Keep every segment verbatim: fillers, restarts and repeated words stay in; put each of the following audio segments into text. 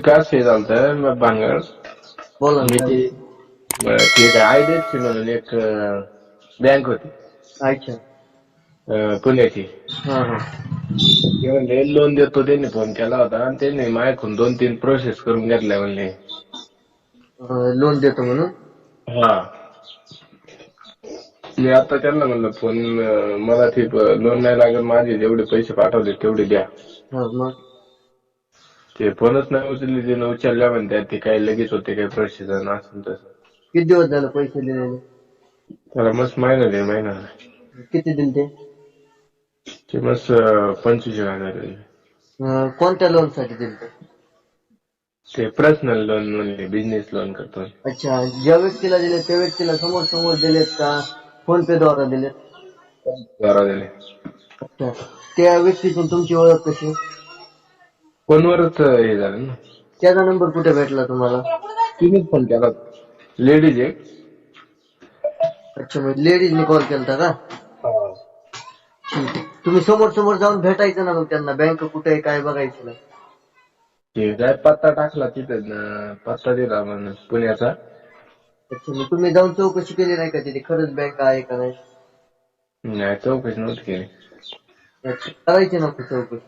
विकास हे झालतं भांगड. बोला मी ना. ते एक आयडीएफसी म्हणून एक बँक होती अच्छा. अं, पुण्याची. हा हा. ते म्हणले लोन देतो, त्यांनी फोन केला होता आणि त्यांनी माझ्याकडून दोन तीन प्रोसेस करून घेतल्या म्हणले. लोन देतो म्हणून. हा, मी आता त्यांना म्हणलं फोन मला ते लोन नाही लागत, माझे जेवढे पैसे पाठवले तेवढे द्या. हा मग. ते फोनच नाही उचलले, ते उचलल्या म्हणतात ते काय लगेच होते काय प्रोसेस असं तसं. किती दिवस झालं पैसे दिलेले? त्याला मस्त महिना दे महिना किती दिले ते? ते मस्त पंचवीस हजार दिले. अं, कोणत्या लोन साठी दिले ते? ते पर्सनल लोन म्हणले, बिझनेस लोन करतो. अच्छा, ज्या व्यक्तीला दिले त्या व्यक्तीला समोर समोर दिलेत का फोन पे द्वारा दिलेत? द्वारा दिले. अच्छा, त्या व्यक्तीतून तुमची ओळख कशी? फोनवरच हे झालं ना. त्याचा नंबर कुठे भेटला तुम्हाला? तिनेच फोन केला, लेडीज आहे. अच्छा, मग लेडीजने कॉल केलता का? ठीक आहे. तुम्ही समोर समोर जाऊन भेटायचं ना मग त्यांना, बँक कुठे आहे काय बघायचं ना. ते काय पत्ता टाकला तिथे, पत्ता दिला म्हणून पुण्याचा. अच्छा, मग तुम्ही जाऊन चौकशी केली नाही का तिथे खरंच बँक आहे का नाही? नाही, चौकशी नव्हती केली. अच्छा, करायची ना चौकशी.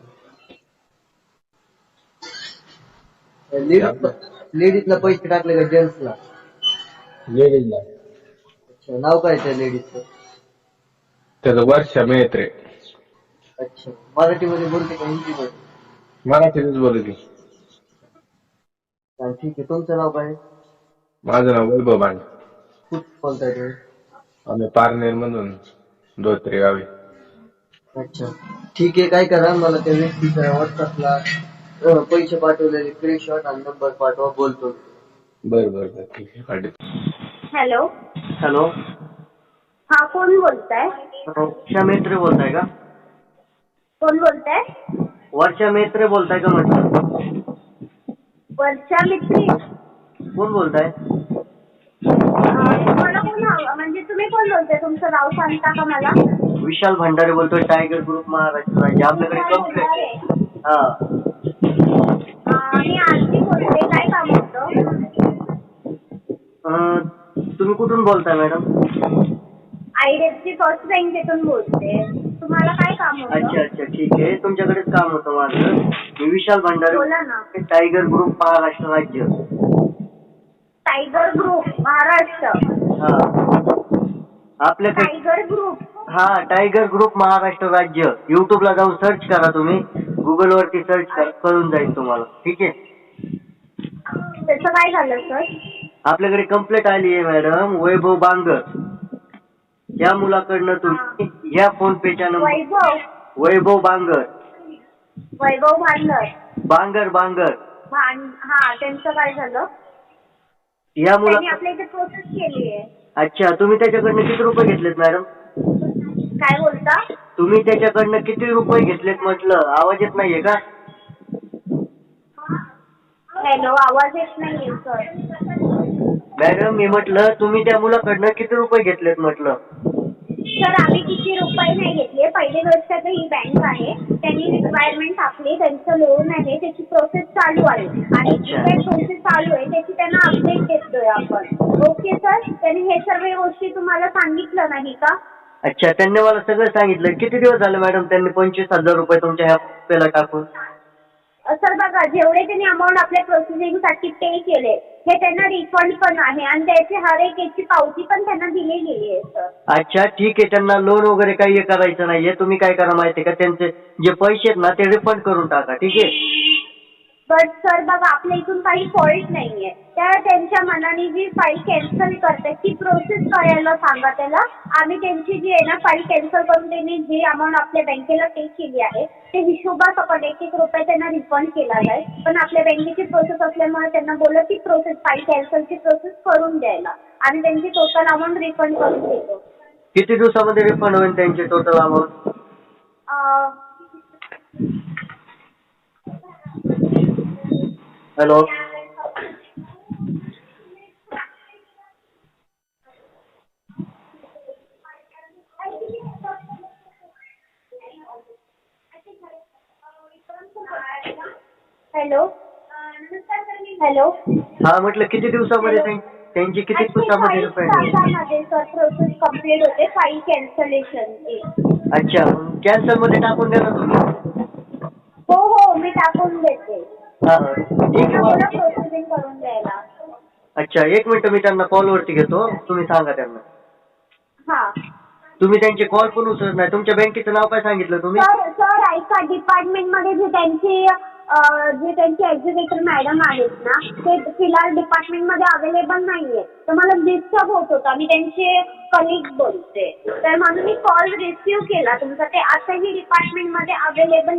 लेडीज लेडीजला पैसे टाकले का जेंट्सला? लेडीजला. अच्छा, नाव काय त्या लेडीजचं? त्याचं वर्षा मेत्रे. अच्छा, मराठीमध्ये बोलते का हिंदीमध्ये? मराठीतच बोलली. हा, ठीक आहे. तुमचं नाव काय? माझं नाव वैभव भांड. कुठं बोलताय तुम्ही? आम्ही पारनेर मधून धोत्रे गावी. अच्छा, ठीक आहे. काय करा, मला त्या व्यक्तीच्या व्हॉट्सअपला पैसे पाठवलेले स्क्रीनशॉट आणि नंबर पाठवा, बोलतो. बरं बरं बरं, ठीक आहे, पाठवतो. हॅलो. हॅलो. हा, कोण बोलताय? वर्षा मेत्रे बोलताय का? कोण बोलताय? वर्षा मेत्रे बोलताय का म्हटलं? वर्षा मित्री. कोण बोलताय? अं, तुम्हाला कोण हवं, म्हणजे तुम्ही कोण बोलताय? तुमचं नाव सांगता का मला? विशाल भंडारे बोलतोय, टायगर ग्रुप महाराष्ट्र राज्य. आपल्याकडे विशाल कंप्लेंट. भंडारे. हा. अं, मी आरती बोलते. काय काम होतं? अं, तुम्ही कुठून बोलताय मॅडम? आयडीएफसी फर्स्ट बँकेतून बोलते. तुम्हाला काय काम होतं? अच्छा अच्छा, ठीक आहे. तुमच्याकडेच काम होतं माझं. मी विशाल भंडारे, बोला ना. टायगर ग्रुप महाराष्ट्र राज्य. Tiger group Maharashtra. हा, आपल्याकडे टायगर ग्रुप. हा, टायगर ग्रुप महाराष्ट्र राज्य. युट्यूबला जाऊन सर्च करा, तुम्ही गुगल वरती सर्च करा, कळून जाईल तुम्हाला. ठीक आहे. त्याचं काय झालं सर? आपल्याकडे कंप्लेंट आली आहे मॅडम, वैभव बांगर या मुलाकडनं तुम्ही या फोन पेच्या नंबर. वैभव. वैभव बांगर. वैभव भांडर. बांगर बांगर. भांड हा, त्यांचं काय झालं? या मुला त्यांनी आपल्या इथे प्रोसेस केली आहे. अच्छा, तुम्ही त्याच्याकडनं किती रुपये घेतलेत मॅडम? काय बोलता? तुम्ही त्याच्याकडनं किती रुपये घेतलेत म्हटलं? आवाज येत नाहीये का? हॅलो, आवाज येत नाहीये सर. मॅडम, मी म्हटलं तुम्ही त्या मुलाकडनं किती रुपये घेतलेत म्हटलं? सर, आम्ही किती रुपये नाही घेतले. पहिली गोष्ट तर ही बँक आहे, त्यांनी रिक्वायरमेंट टाकली, त्यांचं लोन आहे, त्याची प्रोसेस चालू आहे आणि जी काही प्रोसेस चालू आहे त्याची त्यांना अपडेट देतोय आपण. ओके सर, त्यांनी हे सर्व गोष्टी तुम्हाला सांगितलं नाही का? अच्छा, त्यांनी मला सगळं सांगितलं. किती दिवस झाले मॅडम त्यांनी पंचवीस हजार रुपये तुमच्या ह्या पेला टाकून? सर बघा, जेवढे त्यांनी अमाऊंट आपल्या प्रोसेसिंगसाठी पे केले हे त्यांना रिफंड पण आहे आणि त्याची हर एक याची पावती पण त्यांना दिली गेली आहे सर. अच्छा, ठीक आहे. त्यांना लोन वगैरे काही हे करायचं नाहीये. तुम्ही काय करा माहितीये का, त्यांचे जे पैसे आहेत ना ते रिफंड करून टाका. ठीक आहे. बट सर बघा, आपल्या इथून काही फॉल्ट नाहीये. त्या त्यांच्या मनाने जी फाईल कॅन्सल करते ती प्रोसेस करायला सांगा त्याला. आम्ही त्यांची जी आहे ना फाईल कॅन्सल करून त्यांनी जी अमाऊंट आपल्या बँकेला पे केली आहे ते हिशोबासकट एक एक रुपये त्यांना रिफंड केला जाईल. पण आपल्या बँकेची प्रोसेस असल्यामुळे त्यांना बोललं की प्रोसेस फाईल कॅन्सलची प्रोसेस करून द्यायला आणि त्यांची टोटल अमाऊंट रिफंड करून देतो. किती दिवसामध्ये रिफंड होईल त्यांची टोटल अमाऊंट? हॅलो. हॅलो. नमस्कार हॅलो. हा म्हटलं किती दिवसामध्ये त्यां- त्यांची किती दिवसामध्ये अठ्ठेचाळीस रिफंड? तासामध्ये सर प्रोसेस कम्प्लीट होते फाईल कॅन्सलेशनची. अच्छा, कॅन्सल मध्ये टाकून द्या ना तुम्ही. हो हो मी टाकून देते. हा ठीक आहे मला मग. प्रोसेसिंग करून द्यायला. अच्छा, एक मिनिट मी त्यांना कॉलवरती घेतो, तुम्ही सांगा त्यांना. हा. तुम्ही त्यांचे कॉल पण उचलत नाही. तुमच्या बँकेचं नाव काय सांगितलं तुम्ही? सर सर ऐका, डिपार्टमेंटमध्ये जे त्यांची अं, जे त्यांचे एक्झिक्युटिव्ह मॅडम आहेत ना ते फिलहाल डिपार्टमेंटमध्ये अवेलेबल नाहीये, तर मला डिस्टर्ब होत होता. मी त्यांचे कलिग बोलते, तर म्हणून मी कॉल रिसिव्ह केला तुमचा. ते आताही डिपार्टमेंटमध्ये अवेलेबल